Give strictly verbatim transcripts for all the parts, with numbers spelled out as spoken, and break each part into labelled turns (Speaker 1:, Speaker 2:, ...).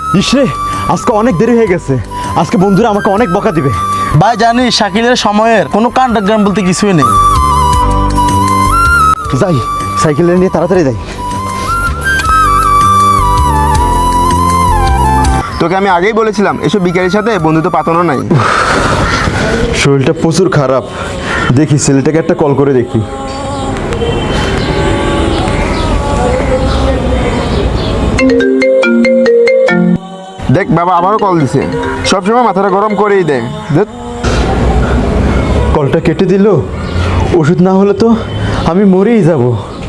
Speaker 1: ইসরে আজকে অনেক দেরি হয়ে গেছে, আজকে বন্ধুরা আমাকে অনেক বকা দিবে।
Speaker 2: ভাই জানিস শাকিলের সময়ের কোনো কাণ্ডজ্ঞান বলতে কিছুই নেই।
Speaker 1: যাই সাইকেল নিয়ে তাড়াতাড়ি যাই।
Speaker 3: তোকে আমি আগেই বলেছিলাম এসব বিকারের সাথে বন্ধুত্ব পাতানো নাই।
Speaker 1: শরীরটা প্রচুর খারাপ, দেখি ছেলেটাকে একটা কল করে দেখি।
Speaker 3: দেখ বাবা আবারও কল দিছে, সবসময় মাথাটা গরম করেই দেয়। দেখ
Speaker 1: কলটা কেটে দিল, ওষুধ না হলে তো আমি মরেই যাব।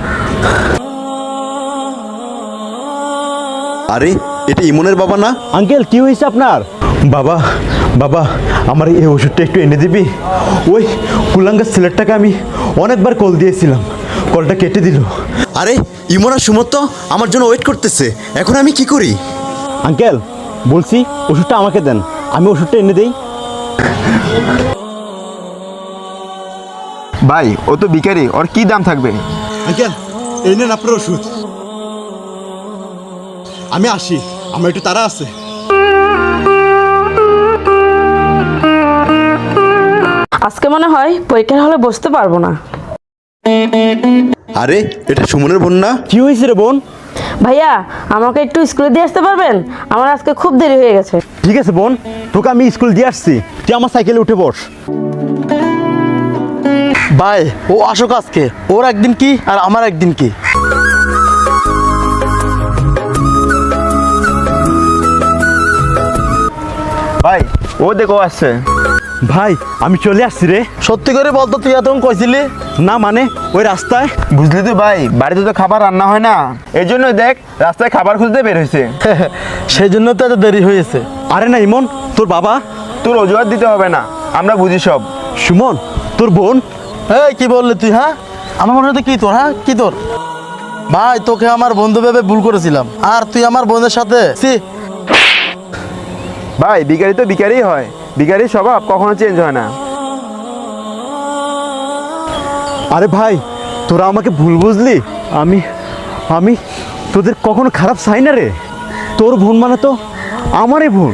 Speaker 4: আরে এটা ইমনের বাবা না?
Speaker 1: আঙ্কেল কি হয়েছে আপনার? বাবা বাবা আমার এই ওষুধটা একটু এনে দিবি? ওই কুলাঙ্গার ছেলেটাকে আমি অনেকবার কল দিয়েছিলাম, কলটা কেটে দিল।
Speaker 4: আরে ইমন আর সুমত তো আমার জন্য ওয়েট করতেছে, এখন আমি কি করি?
Speaker 1: আঙ্কেল বলছি ওষুধটা আমাকে দেন, আমি ওষুধটা এনে দেই।
Speaker 3: ভাই ও তো বিকারি, ওর কি দাম থাকবে?
Speaker 1: আঙ্কেল এই নেন আপনার ওষুধ। আমি আসি, আমার একটু তাড়া আছে।
Speaker 5: আজকে মনে হয় পরীক্ষার হলে বসতে পারবো না।
Speaker 4: আরে এটা সুমনের বোন না?
Speaker 1: কি হয়েছে রে বোন?
Speaker 5: ভাইয়া আমাকে একটু স্কুলে দিয়ে আসতে পারবেন? আমার আজকে খুব দেরি হয়ে গেছে।
Speaker 1: ঠিক আছে বোন, তোকে আমি স্কুল দিয়ে আসছি, তুই আমার সাইকেলে উঠে বস।
Speaker 2: ভাই ও আসুক আজকে, ওর একদিন কি আর আমার একদিন কি।
Speaker 3: ভাই ও দেখো আসছে।
Speaker 1: ভাই আমি চলে আসছি রে।
Speaker 2: সত্যি করে বলতো তুই এতক্ষণ কইছিলি?
Speaker 1: না মানে ওই রাস্তায়।
Speaker 3: বুঝলি তো ভাই, বাড়িতে তো খাবার রান্না হয় না, এই জন্য দেখ রাস্তায় খাবার খুঁজতে বের হয়েছে।
Speaker 2: সেই জন্য তো এত দেরি হয়েছে।
Speaker 1: আরে না ইমন, তোর বাবা।
Speaker 3: তোর অজুহাত দিতে হবে না, আমরা বুঝি সব।
Speaker 1: সুমন তোর বোন।
Speaker 2: এই কি বললি তুই? হ্যাঁ আমার মনে হতো কি তোর? হ্যাঁ কি তোর? ভাই তোকে আমার বন্ধু ভেবে ভুল করেছিলাম, আর তুই আমার বোনের সাথে সি।
Speaker 3: ভাই বিকারি তো বিকারই হয়, বিকারির স্বভাব কখনো চেঞ্জ হয় না।
Speaker 1: আরে ভাই তোরা আমাকে ভুল বুঝলি, আমি আমি তোদের কখনো খারাপ চাই না রে। তোর বোন মানে তো আমারই বোন।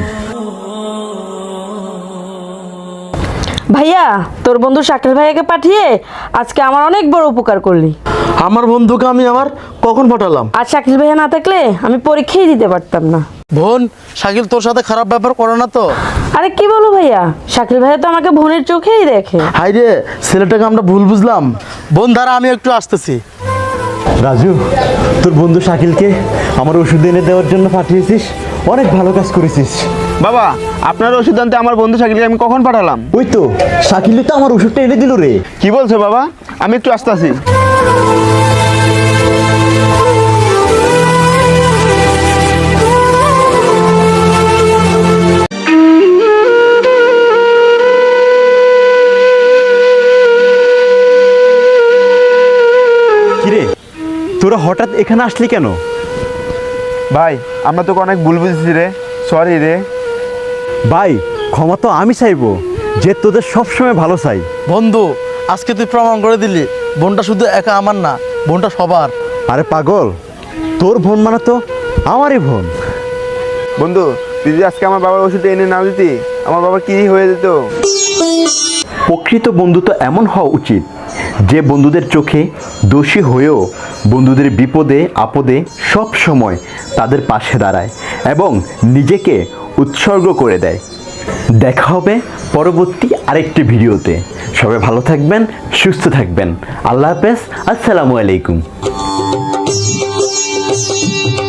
Speaker 5: ভাইয়া তোর বন্ধু শাকিল ভাইয়াকে পাঠিয়ে আজকে আমার অনেক বড় উপকার করলি।
Speaker 2: আমার বন্ধুকে আমি আমার কখন পাঠালাম?
Speaker 5: আর শাকিল ভাইয়া না থাকলে আমি পরীক্ষাই দিতে পারতাম না।
Speaker 2: বোন শাকিল তোর সাথে খারাপ ব্যাপার করে না তো?
Speaker 5: আরে কি বলো ভাইয়া, শাকিল ভাইয়া তো আমাকে বোনের চোখেই দেখে।
Speaker 2: হাই রে ছেলেটাকে আমরা ভুল বুঝলাম। বোন দ্বারা আমি একটু আসতেছি।
Speaker 1: রাজু তোর বন্ধু শাকিলকে আমার ওষুধ এনে দেওয়ার জন্য পাঠিয়েছিস, অনেক ভালো কাজ করেছিস।
Speaker 3: বাবা আপনার ওষুধ আনতে আমার বন্ধু শাকিলকে আমি কখন পাঠালাম?
Speaker 1: ওই তো শাকিল তো আমার ওষুধটা এনে দিল রে।
Speaker 3: কি বলছো বাবা? আমি একটু আসতে আসি।
Speaker 1: কিরে তোরা হঠাৎ এখানে আসলি কেন?
Speaker 3: ভাই আমরা তোকে অনেক ভুল বুঝেছি রে, সরি রে।
Speaker 1: ভাই ক্ষমা তো আমি চাইবো, যে তোদের সবসময় ভালো চাই।
Speaker 2: বন্ধু আজকে তুই প্রমাণ করে দিলি বোনটা শুধু একা আমার না, বোনটা সবার।
Speaker 1: আরে পাগল, তোর বোন মানে তো আমারই বোন।
Speaker 3: বন্ধু তুই যদি আজকে আমার বাবার ওষুধ এনে না দিতি, আমার বাবার কি হয়ে যেত?
Speaker 4: প্রকৃত বন্ধুত্ব এমন হওয়া উচিত যে বন্ধুদের চোখে দোষী হয়েও বন্ধুদের বিপদে আপদে সব সময় তাদের পাশে দাঁড়ায় এবং নিজেকে উৎসর্গ করে দেয়। দেখা হবে পরবর্তী আরেকটি ভিডিওতে। সবাই ভালো থাকবেন, সুস্থ থাকবেন। আল্লাহ হাফেজ, আসসালামু আলাইকুম।